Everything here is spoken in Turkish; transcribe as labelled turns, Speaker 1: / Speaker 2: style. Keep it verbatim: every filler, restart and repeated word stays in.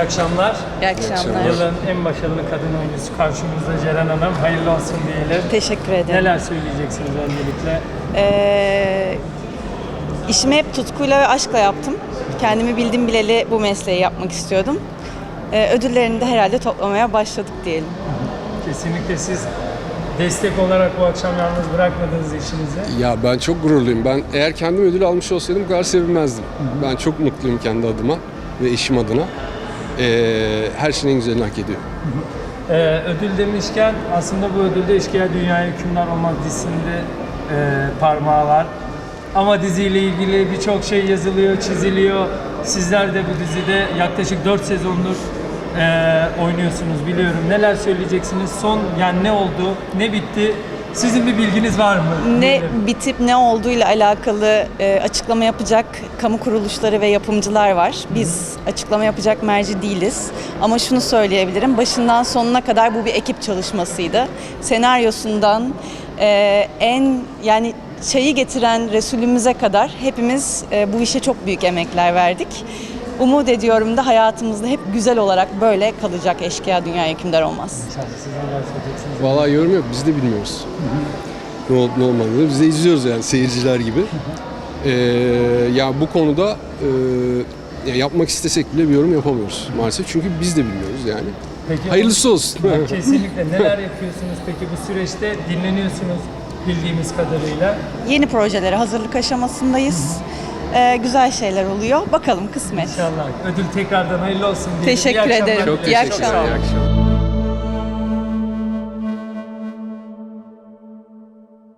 Speaker 1: akşamlar.
Speaker 2: İyi akşamlar.
Speaker 1: Yılın en başarılı kadın oyuncusu karşımızda Ceren Hanım. Hayırlı olsun diyelim.
Speaker 2: Teşekkür ederim.
Speaker 1: Neler söyleyeceksiniz öncelikle?
Speaker 2: Ee, işimi hep tutkuyla ve aşkla yaptım. Kendimi bildim bileli bu mesleği yapmak istiyordum. Ee, ödüllerini de herhalde toplamaya başladık diyelim.
Speaker 1: Kesinlikle siz destek olarak bu akşam yalnız bırakmadınız işinizi.
Speaker 3: Ya ben çok gururluyum. Ben eğer kendim ödül almış olsaydım bu kadar sevinmezdim. Hı hı. Ben çok mutluyum kendi adıma ve eşim adına. Ee, her şeyin en güzelini hak ediyor.
Speaker 1: Hı hı. Ee, ödül demişken aslında bu ödülde Eşkıya Dünyaya Hükümdar Olmaz dizisinde e, parmağı var. Ama diziyle ilgili birçok şey yazılıyor, çiziliyor. Sizler de bu dizide yaklaşık dört sezondur e, oynuyorsunuz biliyorum. Neler söyleyeceksiniz? Son yani ne oldu, ne bitti? Sizin bir bilginiz var mı?
Speaker 2: Ne bitip ne olduğuyla alakalı e, açıklama yapacak kamu kuruluşları ve yapımcılar var. Biz açıklama yapacak merci değiliz. Ama şunu söyleyebilirim, başından sonuna kadar bu bir ekip çalışmasıydı. Senaryosundan e, en yani çayı getiren Resulümüze kadar hepimiz e, bu işe çok büyük emekler verdik. Umut ediyorum da hayatımızda hep güzel olarak böyle kalacak. Eşkıya Dünyaya Hükümdar Olmaz.
Speaker 1: Siz neler söyleyeceksiniz?
Speaker 3: Vallahi yorum yok. Biz de bilmiyoruz. Hı hı. Ne olup ne olmadığını. Biz de izliyoruz yani seyirciler gibi. Ee, ya bu konuda e, ya yapmak istesek bile bir yorum yapamıyoruz maalesef. Çünkü biz de bilmiyoruz yani.
Speaker 1: Peki,
Speaker 3: hayırlısı olsun.
Speaker 1: Kesinlikle. Neler yapıyorsunuz peki bu süreçte? Dinleniyorsunuz bildiğimiz kadarıyla.
Speaker 2: Yeni projelere hazırlık aşamasındayız. Ee, güzel şeyler oluyor. Bakalım kısmet.
Speaker 1: İnşallah. Ödül tekrardan hayırlı olsun diyelim.
Speaker 2: Teşekkür
Speaker 1: İyi akşamlar
Speaker 2: ederim.
Speaker 1: diliyorum.
Speaker 3: Çok
Speaker 2: İyi
Speaker 3: teşekkürler.
Speaker 2: akşamlar.
Speaker 3: İyi akşamlar.